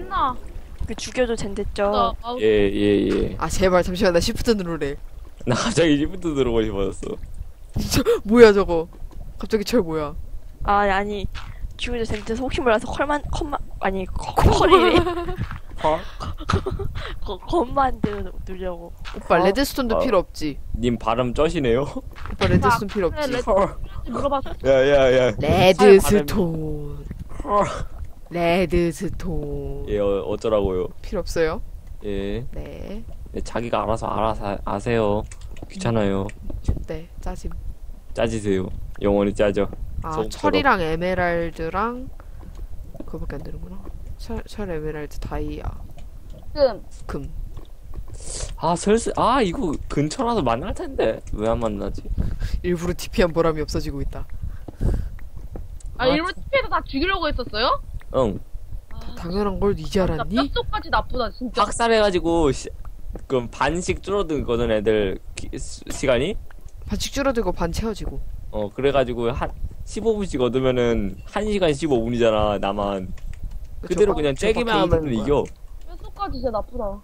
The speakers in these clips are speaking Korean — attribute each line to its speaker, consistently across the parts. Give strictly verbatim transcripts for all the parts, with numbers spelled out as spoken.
Speaker 1: 신나.
Speaker 2: 그 죽여도 된댔죠.
Speaker 1: 나, 아우,
Speaker 3: 예, 예, 예.
Speaker 4: 아 제발 잠시만 나 시프트 누르래.
Speaker 3: 나 갑자기 시프트 들어오고 싶어졌어.
Speaker 4: 저 뭐야 저거? 갑자기 철 뭐야?
Speaker 2: 아 아니 죽여도 된댔어. 혹시 몰라서 컬만 컬만 아니 컬- 컬이래.
Speaker 3: 헐?
Speaker 2: 거- 겉만 누르려고.
Speaker 4: 오빠
Speaker 3: 어?
Speaker 4: 레드스톤도
Speaker 3: 어.
Speaker 4: 필요 없지.
Speaker 3: 님 발음 쩌시네요?
Speaker 4: 오빠 레드스톤 필요
Speaker 1: 그래,
Speaker 4: 없지.
Speaker 1: 레드 물어봤어.
Speaker 3: 야, 야, 야.
Speaker 4: 레드스톤.
Speaker 3: 헐.
Speaker 4: 레드스톤.
Speaker 3: 예, 어, 어쩌라고요?
Speaker 4: 필요 없어요?
Speaker 3: 예.
Speaker 4: 네.
Speaker 3: 네, 자기가 알아서 알아서 아세요. 귀찮아요.
Speaker 4: 네. 짜짐.
Speaker 3: 짜지세요. 영원히 짜죠.
Speaker 4: 아
Speaker 3: 소금처럼.
Speaker 4: 철이랑 에메랄드랑 그거밖에 안 되는구나. 철, 철 에메랄드 다이아
Speaker 1: 지금
Speaker 4: 금.
Speaker 3: 아, 슬슬, 아, 이거 근처라서 만날 텐데. 왜 안 만나지?
Speaker 4: 일부러 티피한 보람이 없어지고 있다.
Speaker 1: 아,
Speaker 3: 아,
Speaker 1: 일부러 티피에서 다 죽이려고 했었어요?
Speaker 3: 응.
Speaker 1: 아,
Speaker 4: 당연한 걸 이제
Speaker 1: 진짜
Speaker 4: 알았니?
Speaker 1: 뼛속까지 나쁘다 진짜.
Speaker 3: 학살해가지고, 시, 그럼 반씩 줄어들거든, 애들 기, 시, 시간이?
Speaker 4: 반씩 줄어들고 반 채워지고.
Speaker 3: 어, 그래가지고 한 십오 분씩 얻으면은 한 시간 십오 분이잖아, 나만.
Speaker 4: 그쵸?
Speaker 3: 그대로 그냥
Speaker 4: 저거
Speaker 3: 째기만
Speaker 4: 게이드인
Speaker 3: 하면
Speaker 4: 거야.
Speaker 3: 이겨.
Speaker 1: 뼛속까지 진짜 나쁘다.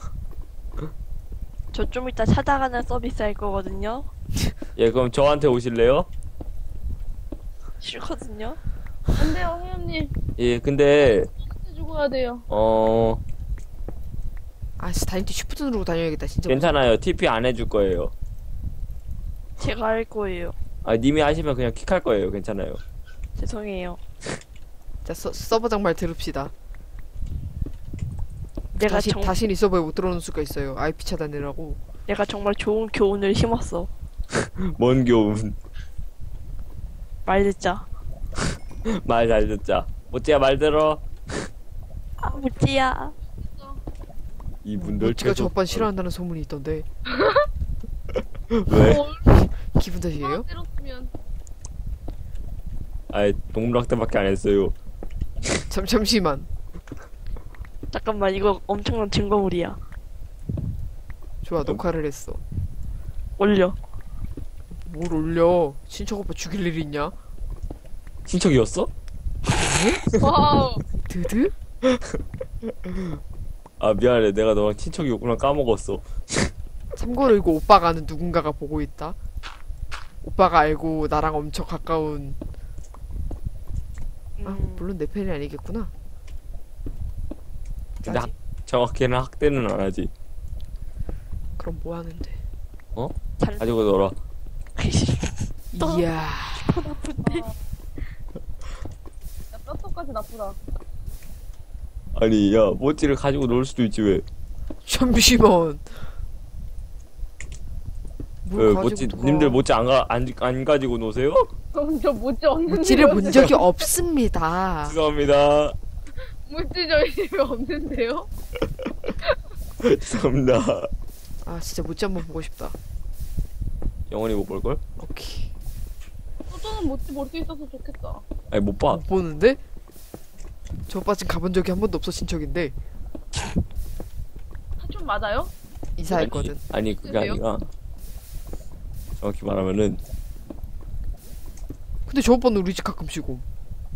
Speaker 2: 저 좀 이따 찾아가는 서비스 할 거거든요.
Speaker 3: 예, 그럼 저한테 오실래요?
Speaker 2: 싫거든요.
Speaker 1: 안 돼요, 회원님.
Speaker 3: 예, 근데,
Speaker 1: 같이 죽어야 돼요.
Speaker 3: 어,
Speaker 4: 아씨 다닐 때 쉬프트 누르고 다녀야겠다 진짜.
Speaker 3: 괜찮아요. 티피 안 해줄 거예요.
Speaker 2: 제가 할 거예요.
Speaker 3: 아, 님이 하시면 그냥 킥할 거예요. 괜찮아요.
Speaker 2: 죄송해요.
Speaker 4: 자 서, 서버장 말 들읍시다.
Speaker 2: 내가
Speaker 4: 다시
Speaker 2: 정
Speaker 4: 다시는 이 서버에 못 들어오는 수가 있어요. 아이피 차단이라고.
Speaker 2: 내가 정말 좋은 교훈을 심었어.
Speaker 3: 뭔 교훈.
Speaker 2: 말 듣자.
Speaker 3: 말 잘 듣자. 모찌야 말 들어.
Speaker 2: 아 무지야.
Speaker 3: 이분들
Speaker 4: 모찌가
Speaker 3: 계속-
Speaker 4: 저반 싫어한다는 소문이 있던데.
Speaker 3: 왜?
Speaker 1: 어,
Speaker 4: 기분 탓이에요?
Speaker 1: 때렸으면.
Speaker 3: 아이, 동물학대밖에 안 했어요.
Speaker 4: 잠 잠시만.
Speaker 2: 잠깐만 이거 엄청난 증거물이야.
Speaker 4: 좋아 녹화를 했어.
Speaker 2: 올려.
Speaker 4: 뭘 올려? 친척 오빠 죽일 일 있냐?
Speaker 3: 친척이었어?
Speaker 1: 와우.
Speaker 4: 드드?
Speaker 3: 아, 미안해. 내가 너랑 친척이었구나 까먹었어.
Speaker 4: 참고로 이거 오빠가 아는 누군가가 보고 있다. 오빠가 알고 나랑 엄청 가까운. 아
Speaker 2: 음,
Speaker 4: 물론 내 팬이 아니겠구나.
Speaker 3: 근데
Speaker 4: 짜지?
Speaker 3: 학, 정확히는 학대는 안 하지.
Speaker 4: 그럼 뭐 하는데?
Speaker 2: 잘.
Speaker 3: 가지고 놀아.
Speaker 2: 또?
Speaker 4: 이야.
Speaker 2: 나쁜데.
Speaker 1: 야, 뼛속까지 나쁘다.
Speaker 3: 아니, 야, 모찌를 가지고 놀 수도 있지, 왜?
Speaker 4: 잠시만.
Speaker 3: 왜,
Speaker 4: 뭘
Speaker 3: 모찌,
Speaker 4: 가지고
Speaker 3: 님들
Speaker 4: 놀아.
Speaker 3: 모찌 안, 가, 안, 안 가지고 노세요?
Speaker 1: 저 모찌 없는데.
Speaker 4: 모찌를 본 적이 없습니다.
Speaker 3: 죄송합니다.
Speaker 1: 모찌 저희 집에 없는데요?
Speaker 3: 죄송합니다.
Speaker 4: 아 진짜 모찌 한번 보고 싶다.
Speaker 3: 영원히 못 볼걸?
Speaker 4: 오케이.
Speaker 1: 어, 저는 모찌 볼 수 있어서 좋겠다.
Speaker 3: 아니, 못 봐.
Speaker 4: 못 보는데? 저 오빠 지금 가본 적이 한 번도 없어 친척인데
Speaker 1: 사촌 맞아요?
Speaker 4: 이사했거든.
Speaker 3: 아니, 그게
Speaker 1: 그래요?
Speaker 3: 아니라. 정확히 말하면은,
Speaker 4: 근데 저 오빠는 우리 집 가끔씩 옴.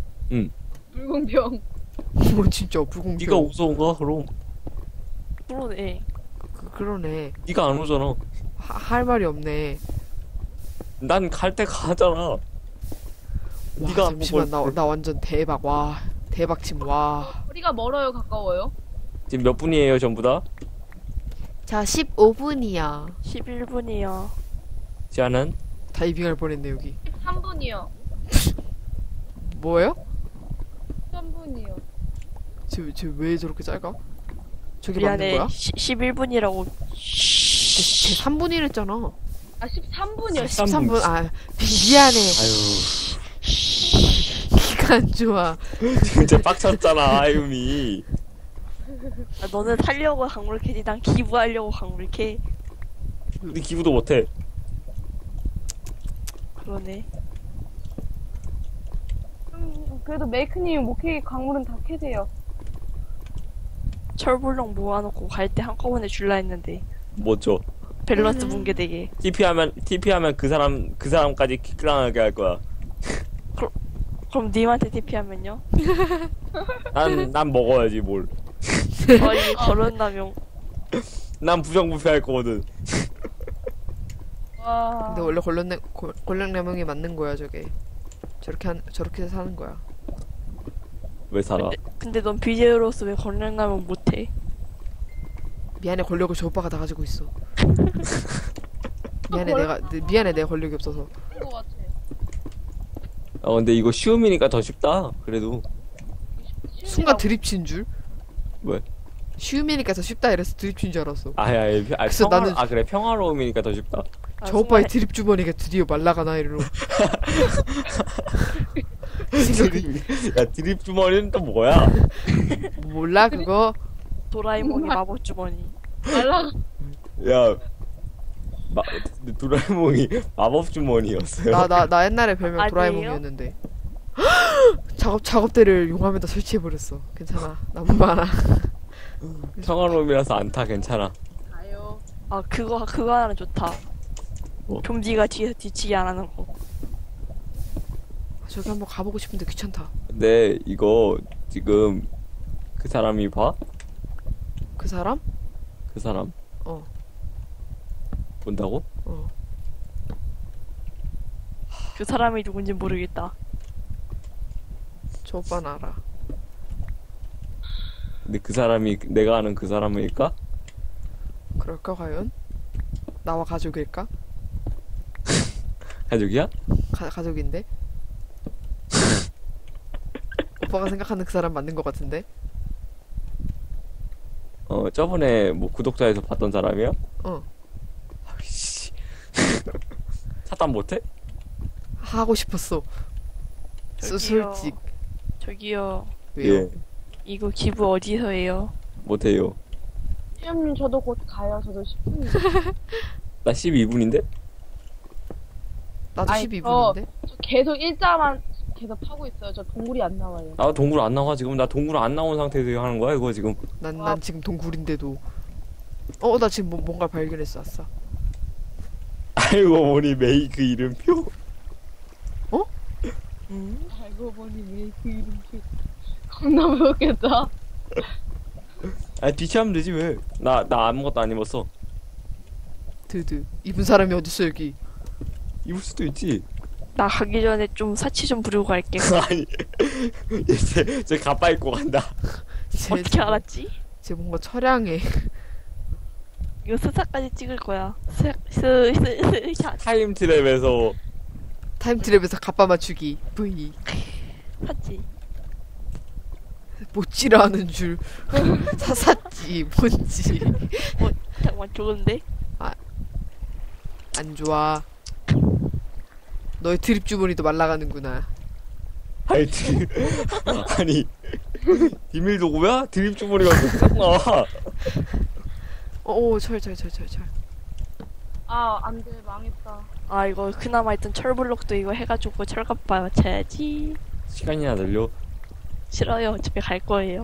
Speaker 1: 불공평.
Speaker 4: 뭐 진짜 불공평.
Speaker 3: 니가 오서 온가, 그럼?
Speaker 2: 그러네.
Speaker 4: 그, 그러네.
Speaker 3: 니가 안 오잖아.
Speaker 4: 하, 할 말이 없네.
Speaker 3: 난 갈 때 가잖아.
Speaker 4: 와,
Speaker 3: 네가 안
Speaker 4: 잠시만
Speaker 3: 보고
Speaker 4: 나, 나 완전 대박. 와 대박 침 와.
Speaker 1: 거리가 멀어요, 가까워요?
Speaker 3: 지금 몇 분이에요, 전부 다?
Speaker 4: 자 십오 분이야.
Speaker 2: 십일 분이요.
Speaker 3: 지아는?
Speaker 4: 다이빙할 뻔했네 여기.
Speaker 1: 십삼 분이요.
Speaker 4: 뭐예요?
Speaker 1: 십삼 분이요.
Speaker 4: 쟤쟤왜 저렇게 짧아? 저게 맞는
Speaker 2: 미안해.
Speaker 4: 거야?
Speaker 2: 시, 십일 분이라고.
Speaker 4: 쟤 삼 분이랬잖아.
Speaker 1: 아, 십삼 분이요.
Speaker 3: 십삼
Speaker 4: 십삼 분. 아 미- 미안해.
Speaker 3: 아유,
Speaker 4: 기가 안 좋아.
Speaker 3: 진짜 빡쳤잖아, 아유미.
Speaker 2: 아, 너는 살려고 강물 캐지 난 기부하려고 강물 캐.
Speaker 3: 근데 기부도 못해.
Speaker 2: 그러네.
Speaker 1: 음, 그래도 메이크님이 목캐 광물은 다 캐세요.
Speaker 2: 철불렁 모아놓고 갈 때 한꺼번에 줄라 했는데
Speaker 3: 뭐죠?
Speaker 2: 밸런스 붕괴되게.
Speaker 3: 티피하면, 티피하면 그 사람, 그 사람까지 킥당하게 할 거야.
Speaker 2: 그럼 님한테 티피하면요?
Speaker 3: 난, 난 먹어야지, 뭘.
Speaker 2: 아니 거론남용.
Speaker 3: 난 부정부패할 거거든.
Speaker 1: 와.
Speaker 4: 근데 원래 권력내 권력내명이 맞는 거야 저게. 저렇게 한 저렇게 사는 거야.
Speaker 3: 왜 살아?
Speaker 2: 근데, 근데 넌 비제로서 왜 거론남용 못해?
Speaker 4: 미안해 권력을 저 오빠가 다 가지고 있어. 미안해
Speaker 1: 권-
Speaker 4: 내가 내- 미안해 내가 권력이 없어서.
Speaker 1: 그런 거 같아.
Speaker 3: 어 근데 이거 쉬움이니까 더 쉽다. 그래도
Speaker 4: 순간 드립 친 줄.
Speaker 3: 왜?
Speaker 4: 쉬움이니까 더 쉽다 이래서 드립 친 줄 알았어.
Speaker 3: 아예 아예 아,
Speaker 4: 그래서
Speaker 3: 평화
Speaker 4: 나는-
Speaker 3: 아 그래 평화로움이니까 더 쉽다.
Speaker 2: 아,
Speaker 4: 저 오빠의
Speaker 2: 순간-
Speaker 4: 드립 주머니가 드디어 말라가나 이러고. 생각이
Speaker 3: 야 드립 주머니는 또 뭐야?
Speaker 4: 몰라 그거.
Speaker 2: 도라에몽의 마법 주머니.
Speaker 1: 말라.
Speaker 3: 야 마, 도라에몽이 마법 주머니였어요.
Speaker 4: 나 나 나 옛날에 별명
Speaker 2: 아니에요?
Speaker 4: 도라에몽이었는데. 작업 작업대를 용암에다 설치해 버렸어. 괜찮아. 나무 많아.
Speaker 3: 평화로움이라서 안 타 괜찮아.
Speaker 1: 가요.
Speaker 2: 아 그거 그거 하나 좋다.
Speaker 3: 뭐?
Speaker 2: 좀비가 뒤에서 뒤치기 안 하는 거.
Speaker 4: 저기 한번 가보고 싶은데 귀찮다.
Speaker 3: 근데 이거 지금 그 사람이 봐?
Speaker 4: 그 사람?
Speaker 3: 그 사람
Speaker 4: 어.
Speaker 3: 본다고?
Speaker 4: 어.
Speaker 2: 그 사람이 누군지 모르겠다.
Speaker 4: 저 오빠는 알아.
Speaker 3: 근데 그 사람이 내가 아는 그 사람일까?
Speaker 4: 그럴까 과연? 나와 가족일까?
Speaker 3: 가족이야?
Speaker 4: 가, 가족인데? 오빠가 생각하는 그 사람 맞는 것 같은데?
Speaker 3: 어 저번에 뭐 구독자에서 봤던 사람이야?
Speaker 4: 어.
Speaker 3: 아이씨 차단 못해?
Speaker 4: 하고 싶었어. 수,
Speaker 2: 저기요.
Speaker 4: 솔직.
Speaker 2: 저기요.
Speaker 4: 왜요?
Speaker 3: 예
Speaker 2: 이거 기부 어디서 해요?
Speaker 3: 못해요.
Speaker 1: 태연님 저도 곧 가요. 저도 십 분.
Speaker 3: 나 십이 분인데?
Speaker 4: 나도
Speaker 1: 아이,
Speaker 4: 십이 분인데?
Speaker 1: 저 계속 일자만 계속 파고 있어요. 저 동굴이 안 나와요.
Speaker 3: 나 동굴 안 나와 지금. 나 동굴 안 나온 상태에서 하는 거야 이거 지금.
Speaker 4: 난,
Speaker 1: 와.
Speaker 4: 난 지금 동굴인데도. 어, 나 지금 뭐, 뭔가 발견했어, 아싸.
Speaker 3: 알고 보니 메이크 이름표?
Speaker 2: 음?
Speaker 1: 알고 보니 왜 그 이름표. 겁나 웃겠다.
Speaker 3: 아 뒤치하면 되지 왜? 나 나 아무것도 안 입었어.
Speaker 4: 드드. 입은 사람이 어딨어, 여기.
Speaker 3: 입을 수도 있지.
Speaker 2: 나 가기 전에 좀 사치 좀 부리고 갈게.
Speaker 3: 아니 이제 저 가빠 입고 간다.
Speaker 4: 쟤,
Speaker 2: 어떻게 알았지?
Speaker 4: 쟤 뭔가 처량해.
Speaker 2: 이거 스사까지 찍을 거야. 스, 스, 스, 스, 샷.
Speaker 3: 타임 트랩에서
Speaker 4: 타임트랩에서 갑바 맞추기. V.
Speaker 2: 샀지.
Speaker 4: 못지라 하는 줄. 사샀지. 뭔지.
Speaker 2: 어, 잠깐만, 좋은데?
Speaker 4: 안 좋아. 너의 드립 주머니도 말라가는구나.
Speaker 3: 아니 드... 아니 비밀 도구야? 드립 주머니가 쏙 나와.
Speaker 4: 어, 오, 철, 철, 철, 철, 철.
Speaker 1: 아, 안 돼. 망했다.
Speaker 2: 아, 이거 그나마 있던 철블록도 이거 해가지고 철갑바 맞춰야지.
Speaker 3: 시간이나 늘려.
Speaker 2: 싫어요. 집에 갈 거예요.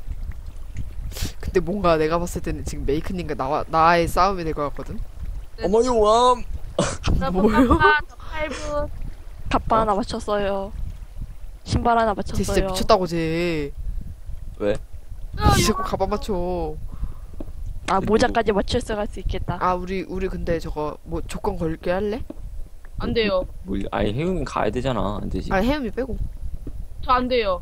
Speaker 4: 근데 뭔가 내가 봤을 때는 지금 메이크님과 나와, 나의 싸움이 될 것 같거든?
Speaker 3: 어머 용암.
Speaker 4: 뭐요?
Speaker 1: 저 팔 분.
Speaker 2: 갑바
Speaker 3: 어?
Speaker 2: 하나 맞췄어요. 신발 하나
Speaker 4: 쟤 진짜
Speaker 2: 맞췄어요.
Speaker 4: 미쳤다고, 쟤.
Speaker 3: 왜?
Speaker 4: 쟤 자꾸 가방 맞춰.
Speaker 2: 아, 모자까지 맞춰서 갈 수 있겠다.
Speaker 4: 아, 우리, 우리 근데 저거, 뭐, 조건 걸게 할래?
Speaker 1: 안 돼요.
Speaker 3: 뭘? 아니 혜웅이 가야 되잖아. 안 되지.
Speaker 4: 아, 혜음이 빼고.
Speaker 1: 저 안 돼요.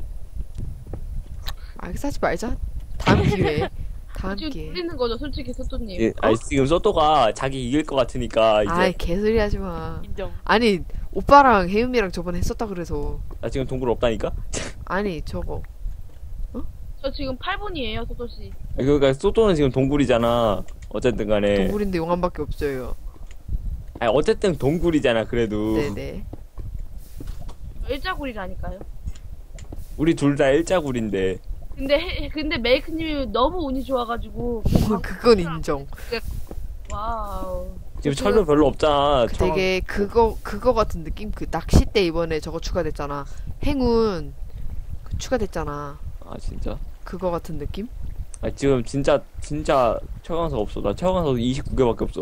Speaker 4: 알겠어, 하지 말자. 다음 기회에. 다음
Speaker 1: 지금
Speaker 4: 기회에.
Speaker 1: 돌리는 거죠, 솔직히 소토님.
Speaker 3: 예, 아니 지금 소토가 자기 이길 것 같으니까 이제
Speaker 4: 아이, 개소리 하지 마.
Speaker 2: 인정.
Speaker 4: 아니, 오빠랑 혜음이랑 저번에 했었다 그래서.
Speaker 3: 나 지금 동굴 없다니까.
Speaker 4: 아니, 저거.
Speaker 1: 저 지금 팔 분이에요, 소토씨.
Speaker 3: 그러니까 소토는 지금 동굴이잖아. 어쨌든 간에.
Speaker 4: 동굴인데 용암밖에 없어요.
Speaker 3: 아니 어쨌든 동굴이잖아. 그래도
Speaker 4: 네네.
Speaker 1: 저 일자굴이라니까요.
Speaker 3: 우리 둘 다 일자굴인데.
Speaker 1: 근데, 해, 근데 메이크님이 너무 운이 좋아가지고.
Speaker 4: 그건 인정.
Speaker 1: 와우.
Speaker 3: 지금 철도 별로 없잖아.
Speaker 4: 그
Speaker 3: 철-
Speaker 4: 되게 그거 그거 같은 느낌? 그 낚싯대 이번에 저거 추가됐잖아. 행운 그 추가됐잖아.
Speaker 3: 아 진짜?
Speaker 4: 그거 같은 느낌?
Speaker 3: 아 지금 진짜 진짜 철강석 없어. 나 철강석 이십구 개밖에 없어.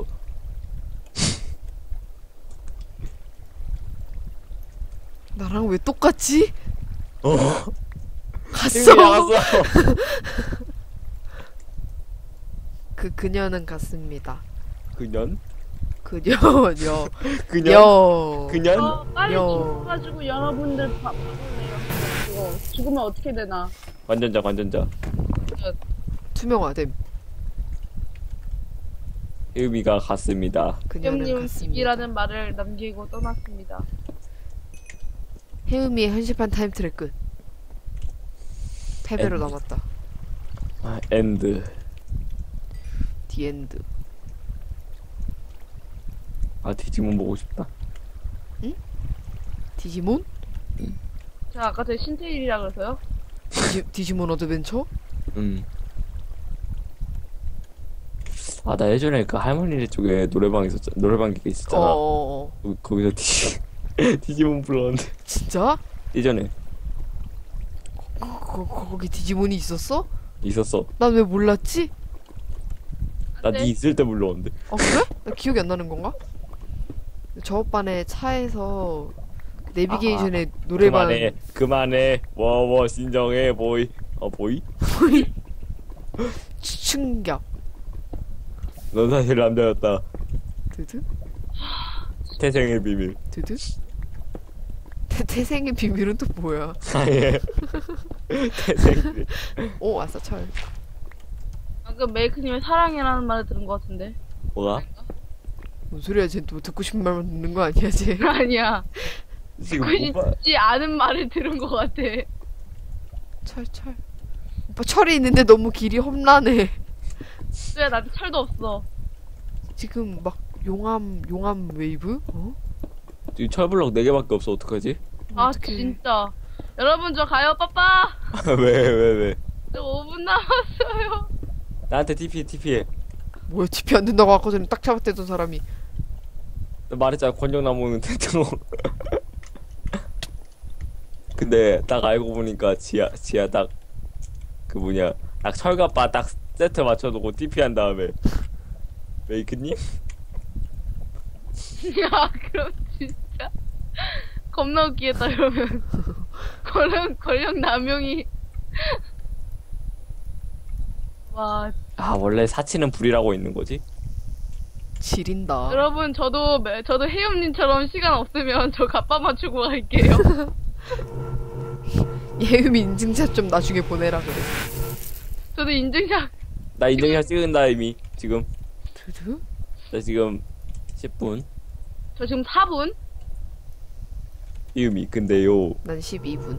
Speaker 4: 나랑 왜 똑같지?
Speaker 3: 어.
Speaker 4: 갔어.
Speaker 3: 나갔어.
Speaker 4: 그 그녀는 같습니다.
Speaker 3: 그년?
Speaker 4: 그녀요.
Speaker 3: 그년?
Speaker 4: 여.
Speaker 3: 그년?
Speaker 1: 어, 빨리
Speaker 4: 여.
Speaker 1: 죽어가지고 여러분들 봐- 봐볼래요. 그거 죽으면 어떻게 되나.
Speaker 3: 완전자 완전자.
Speaker 4: 투명화됨.
Speaker 3: 의미가 같습니다.
Speaker 4: 그녀는
Speaker 1: 형님
Speaker 4: 같습니다.
Speaker 1: 집이라는 말을 남기고 떠났습니다.
Speaker 4: 해음이의 현실판 타임트랙 끝. 패배로
Speaker 3: 엔드.
Speaker 4: 남았다.
Speaker 3: 아, 엔드.
Speaker 4: 디엔드.
Speaker 3: 아 디지몬 보고 싶다.
Speaker 4: 디지몬?
Speaker 1: 제가 아까 제 신테일이라 그래서요.
Speaker 4: 디지, 디지몬 어드벤처?
Speaker 3: 음. 아 나 예전에 그 할머니네 쪽에 노래방 있었잖아. 노래방 기계 있었잖아.
Speaker 4: 어어어.
Speaker 3: 거- 거기서 디지 디지몬 불렀는데
Speaker 4: 진짜?
Speaker 3: 예전에
Speaker 4: 거, 거, 거기 디지몬이 있었어?
Speaker 3: 있었어.
Speaker 4: 난 왜 몰랐지?
Speaker 3: 나
Speaker 1: 네.
Speaker 3: 니 있을 때 불렀는데.
Speaker 4: 아 그래? 나 기억이 안 나는 건가? 저 오빠네 차에서 내비게이션에 노래방
Speaker 3: 그만해 그만해 워워 신정해 보이. 어 보이?
Speaker 4: 충격.
Speaker 3: 넌 사실 남자였다.
Speaker 4: 드드?
Speaker 3: 태생의 비밀.
Speaker 4: 드드? 태, 태생의 비밀은 또 뭐야?
Speaker 3: 아예 태생.
Speaker 4: 오 아싸 철.
Speaker 1: 방금 메이크님의 사랑이라는 말을 들은 것 같은데.
Speaker 3: 뭐가?
Speaker 4: 뭔 소리야? 쟤 또 듣고 싶은 말만 듣는 거 아니야 쟤?
Speaker 1: 아니야.
Speaker 3: 지금
Speaker 1: 듣고
Speaker 3: 오빠
Speaker 1: 싶지 않은 말을 들은 것 같아.
Speaker 4: 철 철. 오빠 철이 있는데 너무 길이 험난해.
Speaker 1: 왜 나한테 철도 없어.
Speaker 4: 지금 막 용암 용암 웨이브? 어?
Speaker 3: 지금 철블럭 네 개밖에 없어. 어떡하지?
Speaker 1: 아
Speaker 4: 어떡해.
Speaker 1: 진짜. 여러분 저 가요 빠빠.
Speaker 3: 왜 왜 왜?
Speaker 1: 저 오 분 남았어요.
Speaker 3: 나한테 티피 티피해.
Speaker 4: 뭐야 티피 안 된다고 아까 전에 딱 잡았대던 사람이.
Speaker 3: 나 말했잖아 권정나무는 대충. 근데 딱 알고 보니까 지하 지하 딱 그 뭐냐 딱 철갑바 딱 세트 맞춰놓고 티피 한 다음에 메이크님?
Speaker 1: 야 그럼 진짜 겁나 웃기겠다 이러면. 권력 권력 남용이. 와
Speaker 3: 아 원래 사치는 불이라고 있는 거지?
Speaker 4: 지린다.
Speaker 1: 여러분 저도 매- 저도 혜영님처럼 시간 없으면 저 갑바 맞추고 갈게요.
Speaker 4: 예음 인증샷 좀 나중에 보내라 그래.
Speaker 1: 저도 인증샷.
Speaker 3: 나 인증샷 찍은다 이미 지금.
Speaker 4: 드드?
Speaker 3: 나 지금 십 분.
Speaker 1: 저 지금 사 분.
Speaker 3: 이음이 근데요.
Speaker 4: 난 십이 분.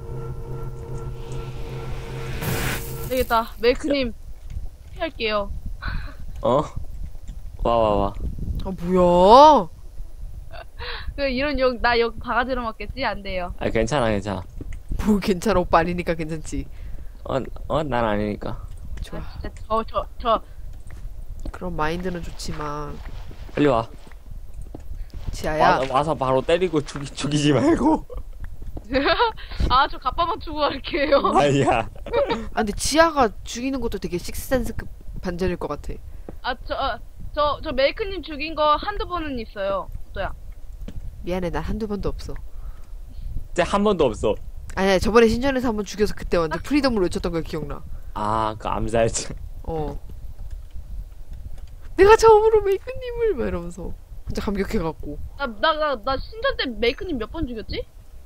Speaker 1: 되겠다. 메이크님 피할게요.
Speaker 3: 어? 와 와 와.
Speaker 4: 아 뭐야?
Speaker 1: 그 이런 욕 나 욕 바가지로 먹겠지? 안 돼요.
Speaker 3: 아 괜찮아 괜찮아.
Speaker 4: 뭐 괜찮아 오빠 아니니까 괜찮지.
Speaker 3: 어어난 아니니까.
Speaker 4: 좋아.
Speaker 1: 아, 진짜 저 저 저
Speaker 4: 그런 마인드는 좋지만
Speaker 3: 빨리 와.
Speaker 4: 지아야.
Speaker 3: 와 와서 바로 때리고 죽이 죽이지 말고.
Speaker 1: 아, 저 갑바 맞추고 갈게요.
Speaker 3: 아니야.
Speaker 4: 아 근데 지아가 죽이는 것도 되게 식스센스급 반전일 것 같아.
Speaker 1: 아, 저, 어, 저, 저 메이크님 죽인 거 한두 번은 있어요. 또야.
Speaker 4: 미안해 난 한두 번도 없어.
Speaker 3: 진짜 한 번도 없어.
Speaker 4: 아니야 저번에 신전에서 한 번 죽여서 그때 완전 프리덤을 외쳤던 거 기억나.
Speaker 3: 아 그 암살자.
Speaker 4: 어. 내가 처음으로 메이크님을 막 이러면서 진짜 감격해갖고.
Speaker 1: 나, 나, 나, 나 신전 때 메이크님 몇 번 죽였지?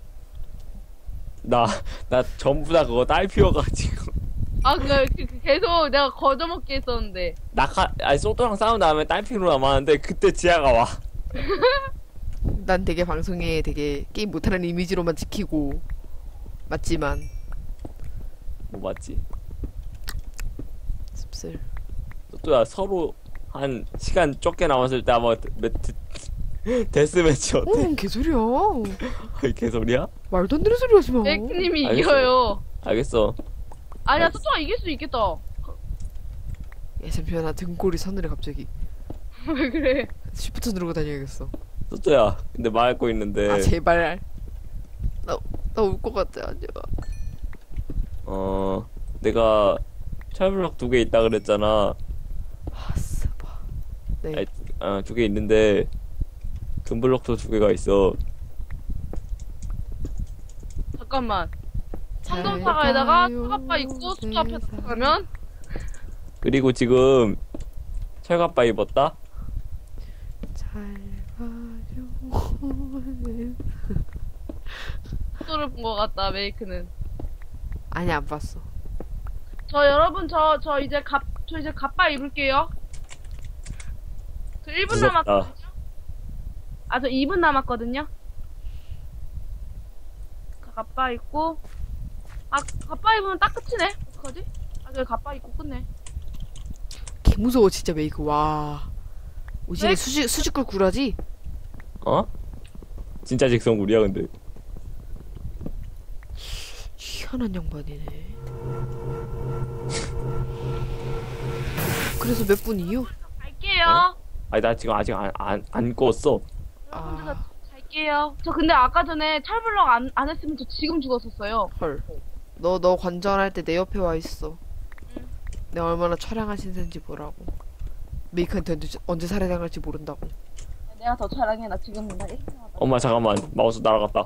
Speaker 3: 나 나 전부 다 그거 딸 피워가지고.
Speaker 1: 아, 그, 그, 그 계속 내가 거저먹게 했었는데.
Speaker 3: 낙하 아니 소토랑 싸운 다음에 딸 피로 남았는데 그때 지하가 와.
Speaker 4: 난 되게 방송에 되게 게임 못하는 이미지로만 지키고 맞지만
Speaker 3: 뭐 맞지?
Speaker 4: 씁쓸.
Speaker 3: 소토야 서로 한 시간 적게 남았을 때 아마 매트 데스매치 어때?
Speaker 4: 어 개소리야.
Speaker 3: 아이 개소리야?
Speaker 4: 말도 안 되는 소리 하지 마.
Speaker 1: 메이크님이
Speaker 3: 알겠어.
Speaker 1: 이겨요.
Speaker 3: 알겠어.
Speaker 1: 아니야,
Speaker 3: 알겠어.
Speaker 1: 소통아 이길 수 있겠다.
Speaker 4: 야 잠시만 나 등골이 서늘해 갑자기.
Speaker 1: 왜 그래?
Speaker 4: 쉬프트 누르고 다녀야겠어.
Speaker 3: 소토야 근데 말할 거 있는데
Speaker 4: 아 제발. 나 나 울 것 같아 아니야.
Speaker 3: 어 내가 철블럭 두 개 있다 그랬잖아.
Speaker 4: 아 스바. 네.
Speaker 3: 아니, 어, 두 개 있는데 금블럭도 두 개가 있어.
Speaker 1: 잠깐만.
Speaker 4: 잘
Speaker 1: 상동사가에다가
Speaker 4: 가요,
Speaker 1: 차갑바 있고 수트 앞에
Speaker 4: 세상.
Speaker 1: 가면
Speaker 3: 그리고 지금 철갑바 입었다?
Speaker 4: 잘 봐줘.
Speaker 1: 속도를 본 것 같다, 메이크는.
Speaker 4: 아니, 안 봤어.
Speaker 1: 저 여러분, 저, 저 이제 갑, 저 이제 갑바 입을게요. 저 일 분
Speaker 3: 무섭다.
Speaker 1: 남았거든요? 아, 저 이 분 남았거든요? 갑바 입고, 아, 갑바 입으면 딱 끝이네? 어떡하지? 아, 저 갑바 입고 끝내.
Speaker 4: 개 무서워, 진짜 메이크. 와. 오지게
Speaker 1: 왜?
Speaker 4: 수직, 수직굴 구라지?
Speaker 3: 어? 진짜 직성굴이야 근데.
Speaker 4: 희한한 양반이네. 그래서 몇 분이요?
Speaker 1: 갈게요.
Speaker 3: 어? 아니 나 지금 아직 안 안 안 껐어.
Speaker 1: 여러분들
Speaker 4: 아.
Speaker 1: 저 갈게요. 저 근데 아까 전에 철블럭 안, 안 했으면 저 지금 죽었었어요.
Speaker 4: 헐. 너, 너 관전할 때 내 옆에 와 있어.
Speaker 1: 응.
Speaker 4: 내가 얼마나 처량한 신세인지 보라고. 메이크한테 언제, 언제 살해당할지 모른다고.
Speaker 1: 내가 더 촬영해. 나 지금 나 일 분 남았다.
Speaker 3: 엄마 잠깐만 마우스 날아갔다.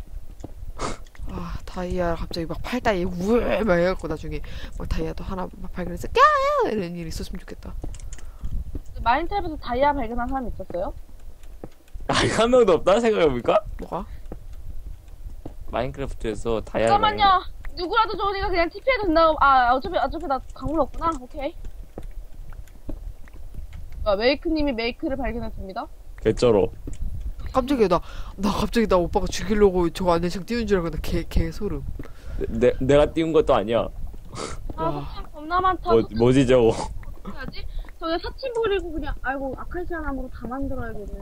Speaker 4: 아, 다이아 갑자기 막 팔다이에 우에 막 해갖고 나중에 막 다이아도 하나 막 발견해서 까 이런 일이 있었으면 좋겠다.
Speaker 1: 마인드랩에서 다이아 발견한 사람 있었어요?
Speaker 3: 아니 한 명도 없다 생각해보니까.
Speaker 4: 뭐가?
Speaker 3: 마인크래프트에서 다이아.
Speaker 1: 잠깐만요. 누구라도 좋으니까 그냥 티피해도 된다고. 아, 어차피, 어차피 나 강물 없구나. 오케이. 아, 메이크님이 메이크를 발견했습니다.
Speaker 3: 개쩔어.
Speaker 4: 깜짝이야, 나, 나 갑자기 나 오빠가 죽이려고 저 안내창 띄운 줄 알고 나 개, 개 소름.
Speaker 3: 내 내가 띄운 것도 아니야.
Speaker 1: 아,
Speaker 4: 와.
Speaker 1: 사칭 겁나 많다.
Speaker 3: 뭐 뭐지 저거?
Speaker 1: 어떻게 하지? 저기 사칭 버리고 그냥, 아이고, 아카시아 나무로 다 만들어야겠네.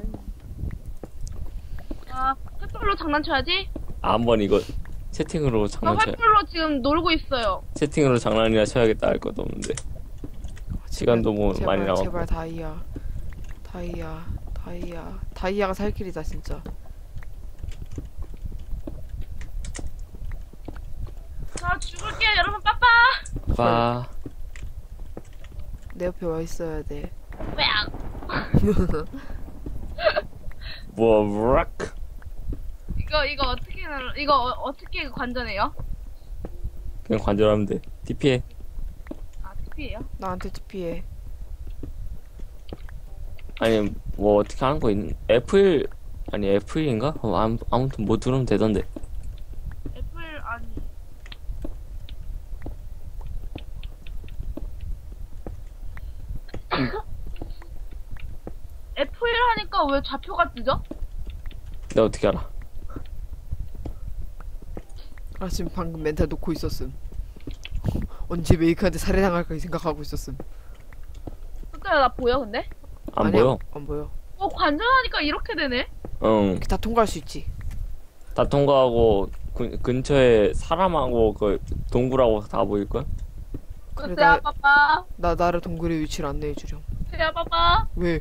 Speaker 1: 아, 횃불로 장난쳐야지?
Speaker 3: 아, 한번 이거 채팅으로
Speaker 1: 저
Speaker 3: 장난쳐.
Speaker 1: 횃불로 지금 놀고 있어요.
Speaker 3: 채팅으로 장난이나 쳐야겠다 할 것도 없는데. 시간도 뭐
Speaker 4: 제발,
Speaker 3: 많이 남았고.
Speaker 4: 제발 다이아. 다이아, 다이아. 다이아가 살 길이다, 진짜.
Speaker 1: 자, 죽을게요, 여러분, 빠빠!
Speaker 3: 봐.
Speaker 4: 내 옆에 와 있어야 돼.
Speaker 1: 왜요?
Speaker 3: 뭐 락.
Speaker 1: 이거, 이거 어떻게, 눌러- 이거 어, 어떻게 관전해요?
Speaker 3: 그냥 관절하면 돼. 티피해.
Speaker 1: 아, 티피예요?
Speaker 4: 나한테 티피해.
Speaker 3: 아니 뭐 어떻게 하는 거 있는? 에프일 아니 에프일인가? 어, 아무, 아무튼 뭐 들으면 되던데.
Speaker 1: 애플, 아니. 에프일 하니까 왜 좌표가 뜨죠?
Speaker 3: 내가 어떻게 알아?
Speaker 4: 아, 지금 방금 멘탈 놓고 있었음. 언제 메이크한테 살해당할까 생각하고 있었음.
Speaker 1: 그니까 나 보여, 근데?
Speaker 3: 안
Speaker 4: 아니야,
Speaker 3: 보여?
Speaker 4: 안 보여.
Speaker 1: 어, 관전하니까 이렇게 되네?
Speaker 3: 응.
Speaker 4: 다 통과할 수 있지.
Speaker 3: 다 통과하고 근, 근처에 사람하고 그 동굴하고 다 보일 걸?
Speaker 4: 그래,
Speaker 1: 글쎄야,
Speaker 4: 나-
Speaker 1: 빠빠.
Speaker 4: 나, 나를 동굴의 위치를 안내해주렴.
Speaker 1: 글쎄야, 빠빠.
Speaker 4: 왜?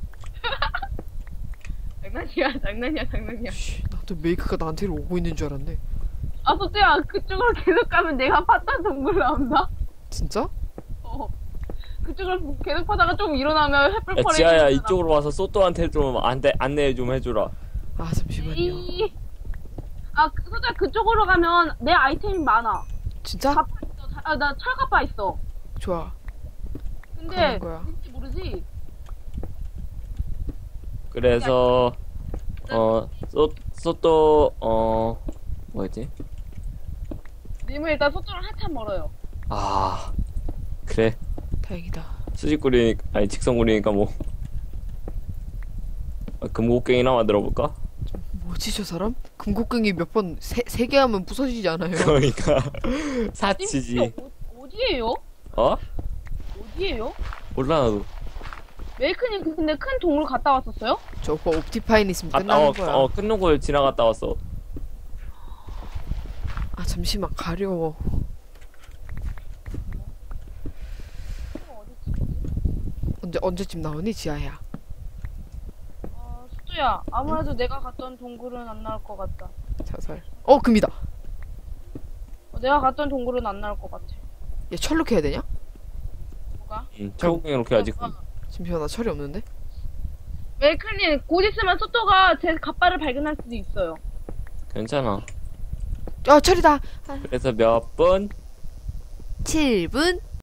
Speaker 1: 장난이야, 장난이야, 장난이야.
Speaker 4: 씨, 나도 메이크가 나한테 오고 있는 줄 알았네.
Speaker 1: 아, 소태야, 그쪽으로 계속 가면 내가 팠던 동굴 나온다?
Speaker 4: 진짜?
Speaker 1: 어. 그쪽으로 계속 파다가 좀 일어나면 햇불
Speaker 3: 야
Speaker 1: 퍼레이드.
Speaker 3: 지아야
Speaker 1: 하잖아.
Speaker 3: 이쪽으로 와서 소또한테 좀 안내 안내 좀 해주라.
Speaker 4: 아, 잠시만요.
Speaker 1: 이... 아, 그- 소태야, 그쪽으로 가면 내 아이템이 많아.
Speaker 4: 진짜?
Speaker 1: 갑바 있어. 자- 아, 나 철갑바 있어.
Speaker 4: 좋아.
Speaker 1: 근데,
Speaker 4: 가는 거야.
Speaker 1: 뭔지 모르지?
Speaker 3: 그래서 어 소 소또 어 뭐였지?
Speaker 1: 님은 일단 소쪽은 한참 멀어요.
Speaker 3: 아 그래
Speaker 4: 다행이다.
Speaker 3: 수직구리니까 아니 직선구리니까 뭐 아, 금곡갱이나 만들어 볼까?
Speaker 4: 뭐지, 저 사람? 금곡갱이 몇 번, 세, 세 개 하면 부서지지 않아요?
Speaker 3: 그러니까
Speaker 1: 님
Speaker 3: 사치지.
Speaker 1: 어, 어디에요?
Speaker 3: 어?
Speaker 1: 어디에요?
Speaker 3: 몰라 나도.
Speaker 1: 메이크님 그- 근데 큰 동굴 갔다 왔었어요?
Speaker 4: 저 오빠 옵티파인 있으면
Speaker 3: 갔다
Speaker 4: 끝나는
Speaker 3: 어,
Speaker 4: 거야.
Speaker 3: 어 끊는 걸 지나갔다 왔어.
Speaker 4: 아, 잠시만, 가려워. 언제, 언제쯤 나오니, 지아야?
Speaker 1: 어, 수두야, 아무래도 내가 갔던 동굴은 안 나올 것 같다.
Speaker 4: 자살. 어, 금이다.
Speaker 1: 어, 내가 갔던 동굴은 안 나올 것 같아.
Speaker 4: 얘 철로 캐야 되냐?
Speaker 1: 뭐가?
Speaker 3: 응, 철곡갱 이렇게 아직.
Speaker 1: 어, 어.
Speaker 4: 잠시만, 나 철이 없는데?
Speaker 1: 메이크님 곧 있으면 소토가 제 갑바를 발견할 수도 있어요.
Speaker 3: 괜찮아.
Speaker 4: 아, 철이다!
Speaker 3: 그래서 몇 분?
Speaker 4: 칠 분?